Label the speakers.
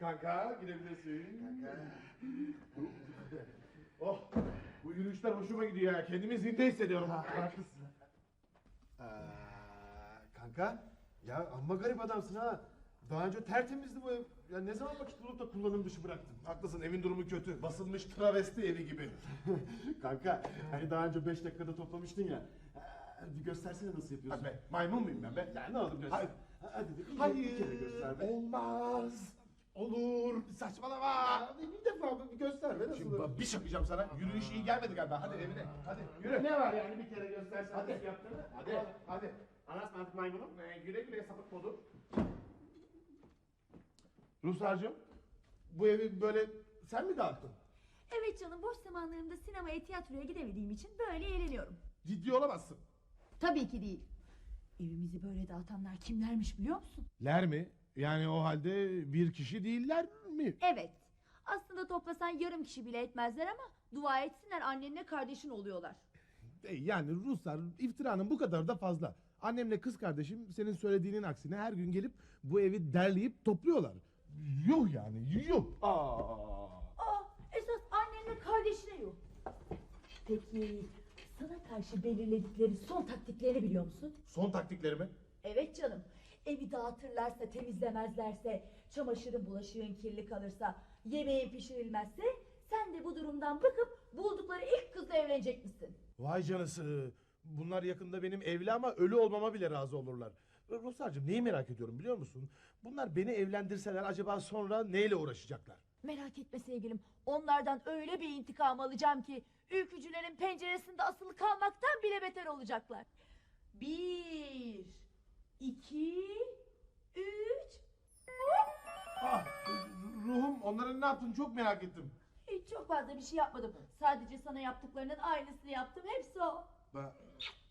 Speaker 1: Kanka gidebilirsin. Kanka. Oh, bu yürüyüşler hoşuma gidiyor ya. Kendimi zinde hissediyorum.
Speaker 2: Haklısın. Kanka, ya amma garip adamsın ha. Daha önce tertemizdi bu ev. Ya ne zaman vakit bulup da kullanım dışı bıraktın?
Speaker 1: Haklısın, evin durumu kötü. Basılmış travesti evi gibi.
Speaker 2: Kanka, hani daha önce 5 dakikada toplamıştın ya. Bir göstersene nasıl
Speaker 1: Hadi
Speaker 2: yapıyorsun.
Speaker 1: be, maymun muyum ben be?
Speaker 2: Ya ne olur göster.
Speaker 1: Hayır.
Speaker 2: Hadi bir
Speaker 1: Hayır,
Speaker 2: kere göster be.
Speaker 1: olmaz. Olur, saçmalama.
Speaker 2: Ya bir defa bir göster be nasıl
Speaker 1: Şimdi
Speaker 2: olur?
Speaker 1: bir şakacağım sana. Yürüyüş iyi gelmedi galiba. Hadi evine. Hadi yürü.
Speaker 3: Ne var yani bir kere göstersen
Speaker 1: Hadi.
Speaker 3: nasıl yaptığını?
Speaker 1: Hadi.
Speaker 3: Anas mantık maymunum.
Speaker 1: Güle güle sapık modu. Ruhsar'cığım, bu evi böyle sen mi dağıttın?
Speaker 4: Evet canım, boş zamanlarımda sinemaya, tiyatroya gidemediğim için böyle eğleniyorum.
Speaker 1: Ciddi olamazsın.
Speaker 4: Tabii ki değil. Evimizi böyle dağıtanlar kimlermiş biliyor musun?
Speaker 1: Ler mi? Yani o halde bir kişi değiller mi?
Speaker 4: Evet. Aslında toplasan yarım kişi bile etmezler ama dua etsinler, annenle kardeşin oluyorlar.
Speaker 1: Yani Ruslar iftiranın bu kadar da fazla. Annemle kız kardeşim senin söylediğinin aksine her gün gelip bu evi derleyip topluyorlar. Yuh yani yuh.
Speaker 4: Esas annenle kardeşine yok. Peki sana karşı belirledikleri son taktiklerini biliyor musun?
Speaker 1: Son taktiklerimi.
Speaker 4: Evet canım. Evi dağıtırlarsa, temizlemezlerse, çamaşırın bulaşığın kirli kalırsa, yemeğin pişirilmezse sen de bu durumdan bakıp buldukları ilk kızla evlenecek misin?
Speaker 1: Vay canısı. Bunlar yakında benim evli ama ölü olmama bile razı olurlar. Ruslarcığım neyi merak ediyorum biliyor musun? Bunlar beni evlendirseler acaba sonra neyle uğraşacaklar?
Speaker 4: Merak etme sevgilim. Onlardan öyle bir intikam alacağım ki ülkücülerin penceresinde asılı kalmaktan bile beter olacaklar. 1, 2, 3.
Speaker 1: Ah, ruhum onların ne yaptığını çok merak ettim.
Speaker 4: Hiç çok fazla bir şey yapmadım. Sadece sana yaptıklarının aynısını yaptım. Hepsi o.
Speaker 1: Ben...